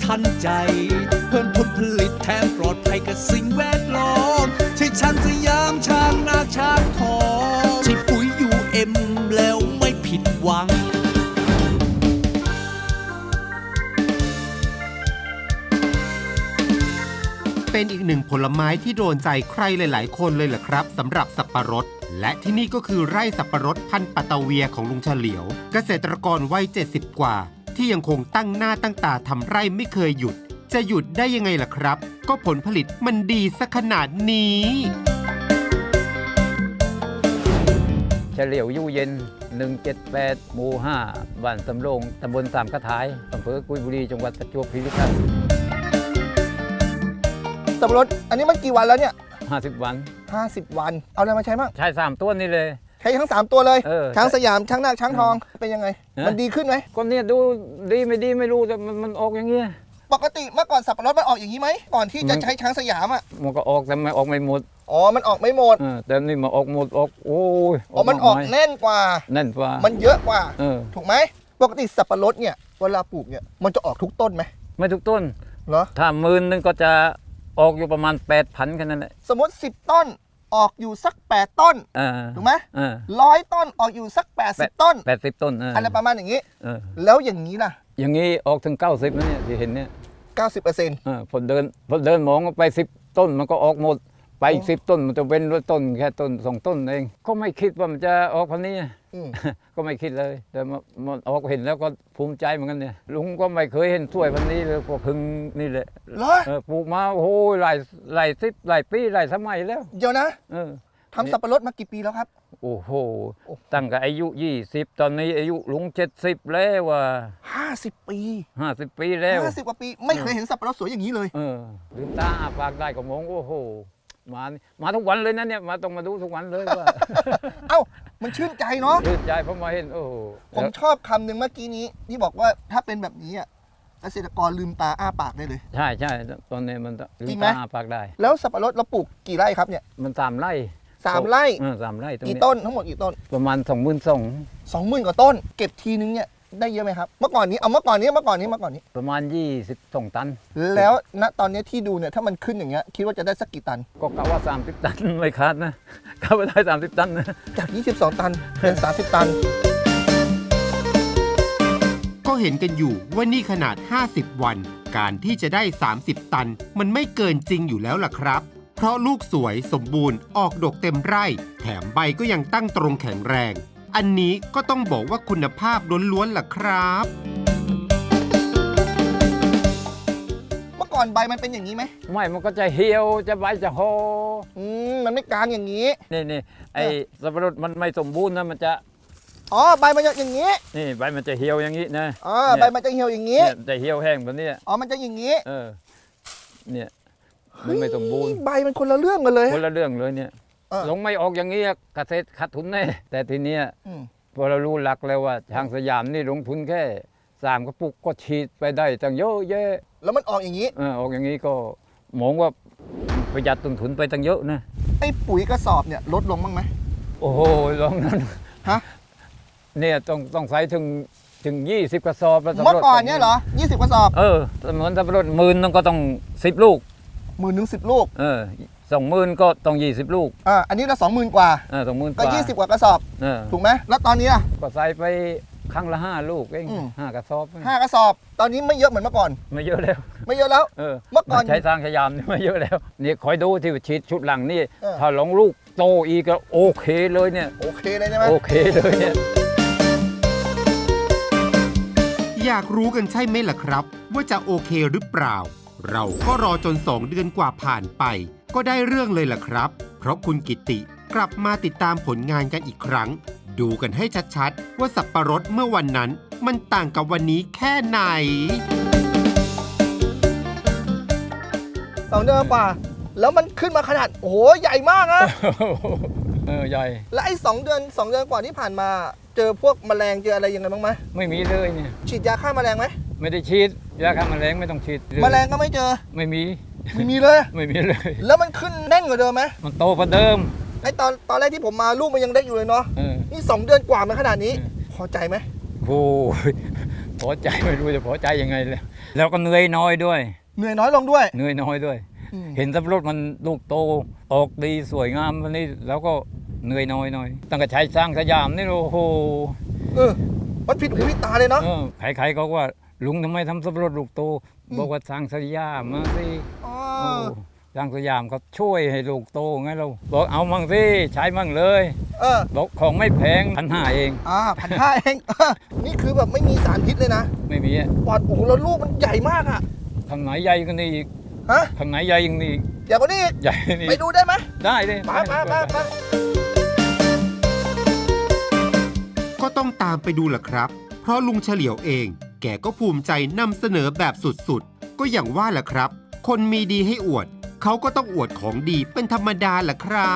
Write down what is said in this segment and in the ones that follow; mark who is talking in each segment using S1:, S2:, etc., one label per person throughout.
S1: ทันใจเพิ่มผลผลิตแถมปลอดภัยกับสิ่งแวดล้อมใช่ช้างสยามช้างนาช้างทองใช่ปุ๋ยUMแล้วไม่ผิดหวัง
S2: เป็นอีกหนึ่งผลไม้ที่โดนใจใครหลายๆคนเลยแหละครับสำหรับสับปะรดและที่นี่ก็คือไร่สับปะรดพันธุ์ปัตตาเวียของลุงเฉลียวเกษตรกรวัย70กว่าที่ยังคงตั้งหน้าตั้งตาทำไร่ไม่เคยหยุดจะหยุดได้ยังไงล่ะครับก็ผลผลิตมันดีซะขนาดนี้
S3: เฉลียวยู่เย็น178หมู่5บ้านสำโรงตำบลสามกระถายอำเภอกุยบุรีจังหวัดประจวบคีรีขันธ์
S4: สับปะรดอันนี้มันกี่วันแล้วเนี่ย
S3: 50 วัน
S4: 50 วันเอาอะไรมาใช้บ้าง
S3: ใช้3ตัวนี่เลย
S4: ใช้ทั้ง3ตัวเลยช้างสยามช้างนาคช้างทองเป็นยังไงมันดีขึ้นไหม
S3: ก็เนี่ยดูดีไม่ดีไม่รู้แต่มันออกอย่างเงี้ย
S4: ปกติเมื่อก่อนสับปะรดมันออกอย่างนี้ไหมก่อนที่จะใช้ช้างสยามอ่ะ
S3: มันก็ออกแต่ไม่ออกไม่หมด
S4: อ๋อมันออกไม่หมด
S3: แต่นี่มาออกหมดออกโอ้ย
S4: มันออกแน่นกว่ามันเยอะกว่าถูกไหมปกติสับปะรดเนี่ยเวลาปลูกเนี่ยมันจะออกทุกต้นไหม
S3: ไม่ทุกต้น
S4: เหรอ
S3: ถ้า10,000ก็จะออกอยู่ประมาณ8,000แค่นั้นแหละ
S4: สมมติ10 ต้นออกอยู่สัก8 ต้นถูกไหม100 ต้นออกอยู่สัก80 ต้น
S3: 80 ต้น
S4: อะไรประมาณอย่างนี้แล้วอย่างนี้ล่ะ
S3: อย่างนี้ออกถึง90นะเนี่ยที่เห็นเนี่ย
S4: 90%
S3: พอเดินมองไป10 ต้นมันก็ออกหมดไปอีก10 ต้นมันจะเว้นด้วยต้นแค่ต้น2 ต้นเองก็ไม่คิดว่ามันจะออกพันนี้ก็ไม่คิดเลยแต่มันออกเห็นแล้วก็ภูมิใจเหมือนกันเนี่ยลุงก็ไม่เคยเห็นสวยพันนี้เลยพอพึ่งนี่แหละปลูกมาโอ้โหหลายสิบหลายปีหลายสมัยแล้ว
S4: เดี๋ยวนะทำสับปะรดมากี่ปีแล้วครับ
S3: โอ้โหตั้งแต่อายุ20ตอนนี้อายุลุง70แล้วว่ะ
S4: 50 ปี
S3: 50 ปีแล้ว
S4: 50 กว่าปีไม่เคยเห็นสับปะรดสวยอย่างนี้เลย
S3: ลืมตาปากได้ก็มองโอ้โหมาทุกวันเลยนะเนี่ยต้องมาดูทุกวันเลยว่า
S4: เอ้ามันชื่นใจเนาะ
S3: ชื่นใจเพราะมาเห็นโอ้
S4: ผมชอบคำหนึ่งเมื่อกี้นี้ที่บอกว่าถ้าเป็นแบบนี้เกษตรกรลืมตาอ้าปากได้เลย
S3: ใช่ตอนนี้มันลืมตาอ้าปากได้
S4: แล้วสับปะรดเราปลูกกี่ไร่ครับเนี่ย
S3: มัน3 ไร่
S4: 3 ไร่
S3: 3 ไร่
S4: กี่ต้นทั้งหมดกี่ต้น
S3: ประมาณ
S4: 20,000 กว่าต้นเก็บทีนึงเนี่ยได้เยอะไหมครับเมื่อก่อนนี้
S3: ประมาณ22 ตัน
S4: แล้วณตอนนี้ที่ดูเนี่ยถ้ามันขึ้นอย่างเงี้ยคิดว่าจะได้สักกี่ตัน
S3: ก็กะว่า30 ตันไม่ขาดนะกะว่าได้30 ตันนะ
S4: จาก22 ตันเป็น30 ตัน
S2: ก็เห็นกันอยู่ว่านี่ขนาด50 วันการที่จะได้30 ตันมันไม่เกินจริงอยู่แล้วล่ะครับเพราะลูกสวยสมบูรณ์ออกดกเต็มไร่แถมใบก็ยังตั้งตรงแข็งแรงอันนี้ก็ต้องบอกว่าคุณภาพล้วนๆล่ะครับ
S4: เมื่อก่อนใบมันเป็นอย่างนี้ไหม
S3: ไม่มันก็จะเหี่ยวจะใบจะโห
S4: มันไม่กลางอย่างนี้
S3: นี่ไอ้สับปะรดมันไม่สมบูรณ์นะมันจะ
S4: ใบมันจะอย่างนี้
S3: นี่ใบมันจะเหี่ยวอย่างนี้นะ
S4: ใบมันจะเหี่ยวอย่างนี้
S3: จะเหี่ยวแห้งแบบนี้
S4: มันจะอย่างนี้
S3: เนี่ยมันไม่สมบูรณ์
S4: ใบมันคนละเรื่องกันเลย
S3: คนละเรื่องเลยเนี่ยลงไม่ออกอย่างนี้เกษตรขาดทุนแน่แต่ทีเนี้ยพอเรารู้หลักแล้วว่าทางสยามนี่ลงทุนแค่3 กระปุกก็ฉีดไปได้ตั้งเยอะแยะ
S4: แล้วมันออกอย่างนี้
S3: ออกอย่างนี้ก็มองว่าประหยัดต้นทุนไปตั้งเยอะนะ
S4: ไอ้ปุ๋ยกระสอบเนี่ยลดลงบ้างไหม
S3: โอ้โหลงนั้นเนี่ยต้องใส่ถึง20 กระสอบแล้ว
S4: เมื่อก่อนเนี่ยเหรอ20 กระสอบ
S3: เหมือนสับปะรด10,000นึงก็ต้อง10 ลูก
S4: 10,000 ถึง 10 ลูก
S3: 20,000ก็ต้อง20 ลูก
S4: อันนี้เรา20,000 กว่า
S3: 20,000
S4: ก็20 กว่ากระสอบถูกไหมแล้วตอนนี้ล่ะ
S3: ก็ใส่ไปครั้งละ5 ลูกเอง5 กระสอบ
S4: 5 กระสอบตอนนี้ไม่เยอะเหมือนเมื่อก่อน
S3: ไม่เยอะแล้ว
S4: เมื่อก่อน
S3: ใช้ทางสยามไม่เยอะแล้วนี่คอยดูที่ฉีดชุดหลังนี่ถ้าลงลูกโตอีกก็โอเคเลยเนี่ย
S4: โอเคเลยใช่ไหม
S3: โอเคเลยเนี่ย
S2: อยากรู้กันใช่ไหมล่ะครับว่าจะโอเคหรือเปล่าเราก็รอจน2 เดือนกว่าผ่านไปก็ได้เรื่องเลยล่ะครับเพราะคุณกิติกลับมาติดตามผลงานกันอีกครั้งดูกันให้ชัดๆว่าสับปะรดเมื่อวันนั้นมันต่างกับวันนี้แค่ไหน
S4: 2 เดือนกว่าแล้วมันขึ้นมาขนาดโอ้โหใหญ่มากนะ
S3: ใหญ่
S4: แล้วไอ้2 เดือนกว่าที่ผ่านมาเจอพวกแมลงเจออะไรยังไงบ้างไหม
S3: ไม่มีเลยเนี่ย
S4: ฉีดยาฆ่าแมลงไหม
S3: ไม่ได้ฉีดยาฆ่าแมลงไม่ต้องฉีด
S4: แมลงก็ไม่เจอ
S3: ไม่มี
S4: เลย
S3: ไม่มีเลย
S4: แล้วมันขึ้นแน่นกว่าเดิมไหม
S3: มันโตกว่าเดิม
S4: ไอ้ตอนแรกที่ผมมาลูกมันยังเล็กอยู่เลยเนาะนี่2 เดือนกว่ามันขนาดนี้พอใจไหม
S3: โอ้พอใจไม่รู้จะพอใจยังไงเลยแล้วก็เหนื่อยน้อยด้วย
S4: เหนื่อยน้อยลงด้วย
S3: เหนื่อยน้อยด้วย
S4: อืม
S3: เห็นสับปะรดมันลูกโตออกดีสวยงามวันนี้แล้วก็เหนื่อยน้อยหน่อยตั้งแต่ใช้สร้างสยามนี่โอ้โห
S4: มันผิดหูผิดตาเลยเนาะ
S3: ใครๆก็ว่าลุงทำไมทำสับปะรดลูกโตบอกว่าสร้างสยามมาสิ
S4: อ๋อ
S3: โอ้สร้างสยามเขาช่วยให้ลูกโตไงเราบอกเอามั่งสิใช้มั่งเลย
S4: เออ
S3: บอกของไม่แพง1,500เอง
S4: 1,500เองนี่คือแบบไม่มีสารพิษเลยนะ
S3: ไม่มีอะ
S4: ปอดโอ้โหแล้วลูกมันใหญ่มากอะ
S3: ทางไหนใหญ่กันนี่อีก
S4: ฮะ
S3: ทางไหนใหญ่อยังนี่อีก
S4: ใหญ่กว่านี้อีก
S3: ใหญ่นี่
S4: ไปดูได้ไหม
S3: ได้เลย
S4: ไป
S2: ก็ต้องตามไปดูล่ะครับ เพราะลุงเฉลียวเอง แกก็ภูมิใจนำเสนอแบบสุดๆ ก็อย่างว่าแหละครับ คนมีดีให้อวด เขาก็ต้องอวดของดีเป็นธรรมดาแหละครับ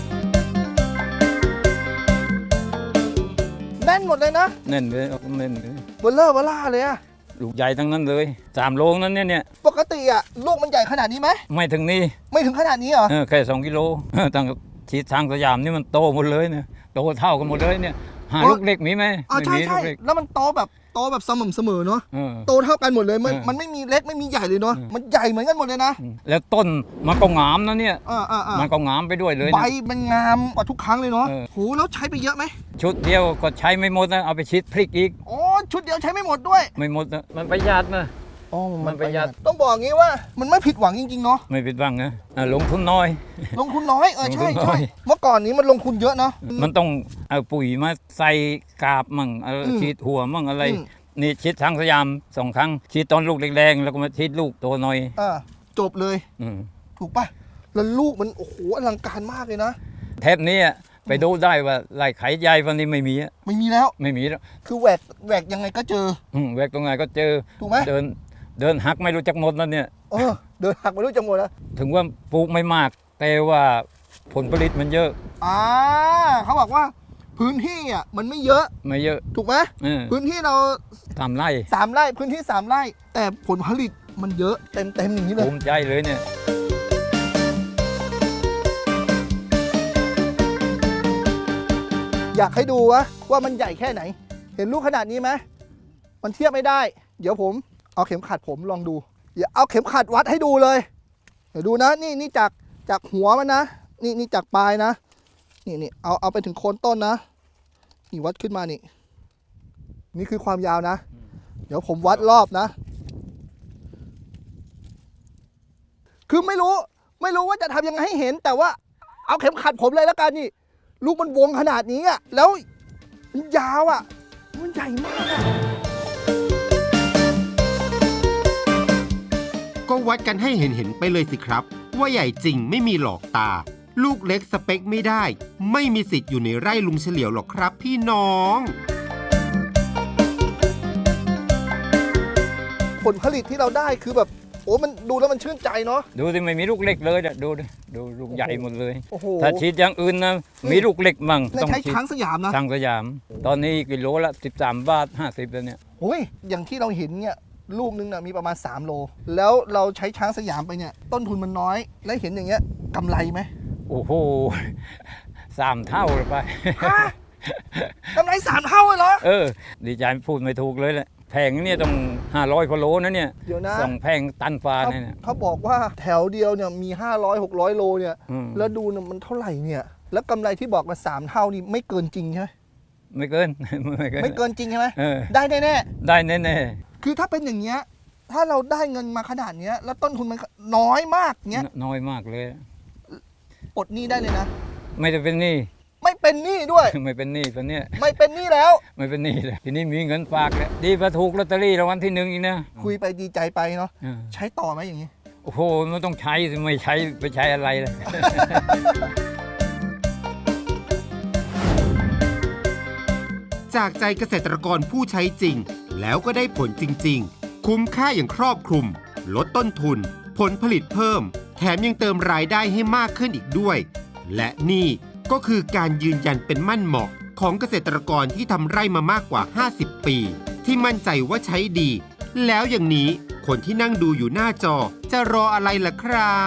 S4: แน่นหมดเลยนะ
S3: แน่นเลยแน่นเลย
S4: เบลเลอร์เบล่าเลยอะ
S3: ลูกใหญ่ทั้งนั้นเลย3 โลนั้นเนี่ย
S4: ปกติอะลูกมันใหญ่ขนาดนี้ไหม
S3: ไม่ถึงนี่
S4: ไม่ถึงขนาดนี้เหรอ
S3: แค่2 กิโลตั้งฉีดทางสยามนี่มันโตหมดเลยเนี่ยโตเท่ากันหมดเลยเนี่ยหาลูกเล็กมีไหม
S4: อ๋อ
S3: ไม่
S4: ใช่
S3: มีลูกเล็ก
S4: แล้วมันโตแบบสม่ำเสมอเนาะ
S3: เออ
S4: โตเท่ากันหมดเลย
S3: เออ
S4: มันไม่มีเล็กไม่มีใหญ่เลยเนาะ มันใหญ่เหมือนกันหมดเลยนะ
S3: แล้วต้นมันก็งามนะเนี่ย มัน
S4: ๆ
S3: ก็งามไปด้วยเลย
S4: ใบ
S3: นะ
S4: มันงามกว่าทุกครั้งเลยเนาะ
S3: เออ
S4: โหแล้วใช้ไปเยอะไหม
S3: ชุดเดียวก็ใช้ไม่หมดนะเอาไปฉีดพริกอีก
S4: อ๋อชุดเดียวใช้ไม่หมดด้วย
S3: ไม่หมดนะมันประหยัดนะ
S4: อ๋อ
S3: มันประหยัด
S4: ต้องบอกงี้ว่ามันไม่ผิดหวังจริงๆเนาะ
S3: ไม่ผิดหวังนะลงทุนน้อย
S4: ลงทุนน้อยใช่
S3: ลงทุนน้
S4: ใช่
S3: อย
S4: เมื่อก่อนนี้มันลงทุนเยอะเนาะ
S3: มันต้องเอาปุ๋ยมาใส่กาบมั่งฉีดหัวมั่งอะไร
S4: อืม
S3: นี่ฉีดทางสยาม2 ครั้งฉีดตอนลูกแรงๆแล้วก็มาฉีดลูกโตหน่อย
S4: จบเลย
S3: อืม
S4: ถูกปะแล้วลูกมันโอ้โหอลังการมากเลยนะ
S3: เทปนี้ไปดูได้ว่าไร่ไข่ใหญ่วันนี้ไม่มีอะ
S4: ไม่มีแล้ว
S3: ไม่มีแล้ว
S4: คือแหวกยังไงก็เจอ
S3: แวกตรงไหนก็เจอ
S4: ถูกไหม
S3: เดินหักไม่รู้จักหมดแล้วเนี่ย
S4: เดินหักไม่รู้จะหมดแล้ว
S3: ถึงว่าปลูกไม่มาก แต่ว่าผลผลิตมันเยอะ
S4: เขาบอกว่าพื้นที่มันไม่เยอะ
S3: ไม่เยอะ
S4: ถูกไหม พื้นที่เรา
S3: ทำไร่
S4: 3 ไร่พื้นที่ 3 ไร่ แต่ผลผลิตมันเยอะเต็มอย่างนี้เลย
S3: ภูมิใจเลยเนี่ย
S4: อยากให้ดูว่ามันใหญ่แค่ไหน เห็นลูกขนาดนี้ไหมมันเทียบไม่ได้ เดี๋ยวผมเอาเข็มขัดผมลองดูอย่าเอาเข็มขัดวัดให้ดูเลย เดี๋ยวดูนะนี่จากหัวมันนะนี่จากปลายนะนี่เอาไปถึงโคนต้นนะนี่วัดขึ้นมานี่คือความยาวนะ เดี๋ยวผมวัดรอบนะ คือไม่รู้ว่าจะทำยังไงให้เห็น แต่ว่าเอาเข็มขัดผมเลยแล้วกันนี่ ลูกมันวงขนาดนี้แล้วมันยาวมันใหญ่มาก
S2: ก็วัดกันให้เห็นไปเลยสิครับ ว่าใหญ่จริงไม่มีหลอกตา ลูกเล็กสเปคไม่ได้ ไม่มีสิทธิ์อยู่ในไร่ลุงเฉลียวหรอกครับพี่น้อง
S4: ผลผลิตที่เราได้คือแบบโอ้มันดูแล้วมันชื่นใจเนาะ
S3: ดูสิไม่มีลูกเล็กเลยเนี่ยดูลูกใหญ่หมดเลย
S4: โอ้โห
S3: ถ้าฉีดอย่างอื่นนะมีลูกเล็กมั่ง
S4: ใช้
S3: ฉีด
S4: ช้างสยามนะ
S3: ทางสยาม ตอนนี้กิโลละ13 บาท 50แล้วเนี่ย
S4: โอ้ยอย่างที่เราเห็นเนี่ยลูกนึงมีประมาณ3 โลแล้วเราใช้ช้างสยามไปเนี่ยต้นทุนมันน้อยแล้วเห็นอย่างเงี้ยกำไรไหม
S3: โอ้โห3 เท่าเลยไป
S4: กำไร3 เท่าเลยเหรอ
S3: ดีใจพูดไม่ถูกเลยแหละแพงเนี่ยต้อง500กว่าโลนะเนี่ย
S4: เดี๋ยวนะ
S3: สองแพงตันฟ้าเนี่ย
S4: เขาบอกว่าแถวเดียวเนี่ยมี500-600 โลเนี่ย
S3: อืม
S4: แล้วดูเนี่ยมันเท่าไหร่เนี่ยแล้วกำไรที่บอกมา3 เท่านี่ไม่เกินจริงใช่ไหม
S3: ไม่เกิน
S4: ไม่เกินจริงใช่ไหม
S3: เออ
S4: ได้แน่
S3: ได้แน่
S4: ๆคือถ้าเป็นอย่างเงี้ยถ้าเราได้เงินมาขนาดเนี้ยแล้วต้นทุนมันน้อยมากเงี้ย
S3: ๆน้อยมากเลย
S4: ปลดหนี้ได้เลยนะ
S3: ไม่จะเป็นหนี้
S4: ไม่เป็นหนี้ด้วย
S3: ไม่เป็นหนี้ตอนเนี้ย
S4: ไม่เป็นหนี้แล้ว
S3: ไม่เป็นหนี้เลยทีนี้มีเงินฝากแล้วดีกว่าถูกลอตเตอรี่รางวัลที่ 1อีกนะ
S4: คุยไปดีใจไปเนาะ
S3: เออ
S4: ใช้ต่อไหมอย่างนี้
S3: โอ้โหมันต้องใช้สิไม่ใช้ไปใช้อะไรเลย
S2: จากใจเกษตรกรผู้ใช้จริง แล้วก็ได้ผลจริงๆ คุ้มค่าอย่างครอบคลุม ลดต้นทุน ผลผลิตเพิ่ม แถมยังเติมรายได้ให้มากขึ้นอีกด้วย และนี่ก็คือการยืนยันเป็นมั่นเหมาะของเกษตรกรที่ทำไร่มามากกว่า 50 ปี ที่มั่นใจว่าใช้ดี แล้วอย่างนี้คนที่นั่งดูอยู่หน้าจอจะรออะไรล่ะครับ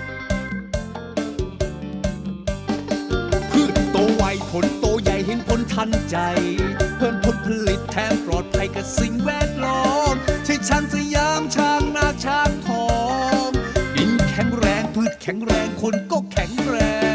S1: พืชโตไวผลโตใหญ่เห็นผลทันใจ เพิ่มผลผลิตแถมปลอดภัยกับสิ่งแวดล้อมใช่ช้างสยามช้างนาช้างทองดินแข็งแรงพืชแข็งแรงคนก็แข็งแรง